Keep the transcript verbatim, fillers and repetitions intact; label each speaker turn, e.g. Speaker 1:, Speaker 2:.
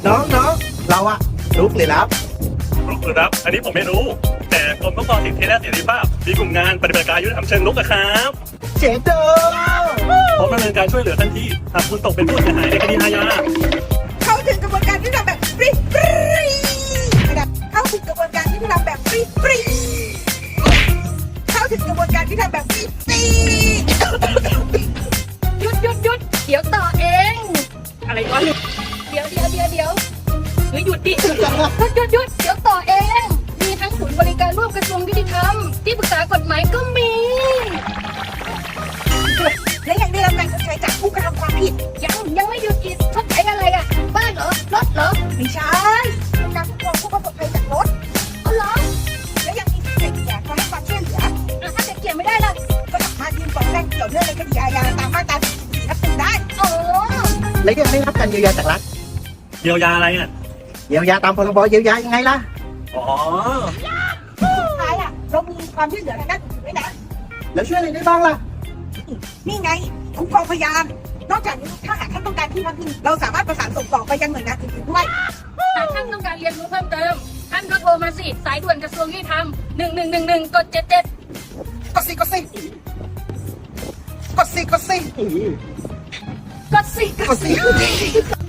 Speaker 1: น้องน้องเราอะลุกหรือรับ
Speaker 2: รุกหรือรับ อันนี้ผมไม่รู้ แต่กรมคุ้มครองสิทธิและเสรีภาพมีกลุ่มงานปฏิบัติการยุติธรรมเชิงรุกอะครับ
Speaker 1: เจ๋งเด้อ
Speaker 2: พร้อมดำเนินการช่วยเหลือทันทีหากคุณตกเป็นผู้เสียหายในคดีอาญา
Speaker 3: เข้าถึงกระบวนการที่ทำแบบฟรีฟรีเข้าถึงกระบวนการที่ทำแบบฟรีฟรีเข้าถึงกระบวนการที่ทำแบบฟรีฟรี
Speaker 4: หยุดหยุดหยุดเดี๋ยวต่อเอง อะไรวะเดี๋ยวเดี๋ยวเดี๋ยวเดี๋ยวเฮ้ยหยุดดิหยุดหยุดหยุดหยุดเดี๋ยวต่อเอง มีทั้งศูนย์บริการร่วมกระทรวงยุติธรรมที่ปรึกษากฎหมายก็มี
Speaker 3: และยังได้รับการชดใช้จากผู้กระทำความผิด
Speaker 4: ยังยังไม่หยุดอีกชดใช้อะไรอ่ะ บ้านเหรอ รถเหรอ
Speaker 3: ไม่ใช่การคุ้มครองผู้ประสบภัยจากรถ
Speaker 4: เอาเหรอ
Speaker 3: และยังมีสิทธิ์เกี่ยวกับให้ความช่วยเหลือ
Speaker 4: อ่ะถ้าเด็กเกี่ยวไม่ได้ล่ะ
Speaker 3: ก็สามารถยื่นฟ้องแพ่งเกี่ยวเนื่องในคดีอาญาตามมาตราสี่สิบสี่ทับหนึ่งได้
Speaker 4: อ๋อ
Speaker 1: และยังไม่รับการเยียวยาจากรัฐ
Speaker 2: เยียวยาอะไรอ่ะ
Speaker 1: เยียวยาตามพรบเยียวยายังไงล่ะ
Speaker 2: อ๋อ
Speaker 3: สุดท้ายอ่ะเรามีความช่วยเหลือทางด้านอื่นด้วยนะ
Speaker 1: แล้วช่วยอะไรได้บ้างล่ะ
Speaker 3: นี่ไงคุ้มครองพยาน นอกจากนี้ถ้าหากท่านต้องการที่พักพิงเราสามารถประสานส่งต่อไปยังหน่วยงานอื่นๆด้วย
Speaker 4: หากท่านต้องการเรียนรู้เพิ่มเติม ท่านก็โทรมาสิ สายด่วนกระทรวงยุติธรรมหนึ่งหนึ่งหนึ่งหนึ่งกดเจ็ดเจ็ด
Speaker 3: กดสิกดสิกดสิกดสิ
Speaker 4: กดสิ
Speaker 3: กดสิ